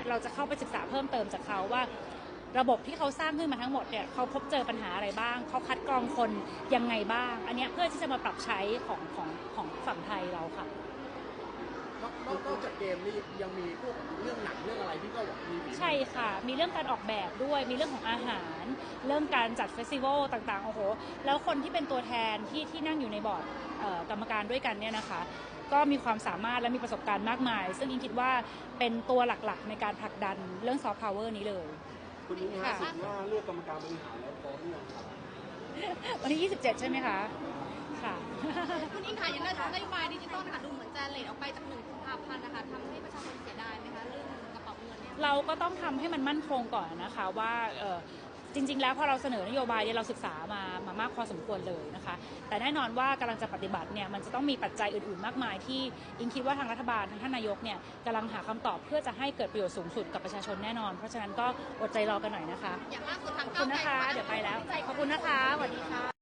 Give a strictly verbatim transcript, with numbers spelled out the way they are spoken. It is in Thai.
เราจะเข้าไปศึกษาเพิ่มเติมจากเขาว่าระบบที่เขาสร้างขึ้นมาทั้งหมดเนี่ยเขาพบเจอปัญหาอะไรบ้างเขาคัดกรองคนยังไงบ้างอันนี้เพื่อที่จะมาปรับใช้ของของของฝั่งไทยเราค่ะนอกจากเกมนี่ยังมีพวกเรื่องหนังเรื่องอะไรที่ก็มีใช่ค่ะมีเรื่องการออกแบบด้วยมีเรื่องของอาหารเรื่องการจัดเฟสติวัลต่างๆโอ้โหแล้วคนที่เป็นตัวแทนที่ที่นั่งอยู่ในบอร์ดกรรมการด้วยกันเนี่ยนะคะก็มีความสามารถและมีประสบการณ์มากมายซึ่งอิงคิดว่าเป็นตัวหลักๆในการผลักดันเรื่องซอฟต์พาวเวอร์นี้เลยคุณนิ้งคะสุดว่าเลือกกรรมการบริหารแล้วพร้อมหรือยังครับวันที่ยี่สิบเจ็ดใช่ไหมคะค่ะคุณอิงค่ะอย่างเรื่องนโยบายดิจิตอลนะคะดูเหมือนจะเลทออกไปจากหนึ่งกุมภาพันธ์นะคะทำให้ประชาชนเสียดายไหมคะเรื่องกระเป๋าเงินเนี่ยเราก็ต้องทำให้มันมั่นคงก่อนนะคะว่าจริงๆแล้วพอเราเสนอนโยบายเนี่ยเราศึกษามามามากพอสมควรเลยนะคะแต่แน่นอนว่ากำลังจะปฏิบัติเนี่ยมันจะต้องมีปัจจัยอื่นๆมากมายที่อิงคิดว่าทางรัฐบาลทางท่านนายกเนี่ยกำลังหาคำตอบเพื่อจะให้เกิดประโยชน์สูงสุดกับประชาชนแน่นอนเพราะฉะนั้นก็อดใจรอกันหน่อยนะคะอย่างล่าสุดทางขอบคุณนะคะเดี๋ยวไปแล้วขอบคุณนะคะสวัสดีค่ะ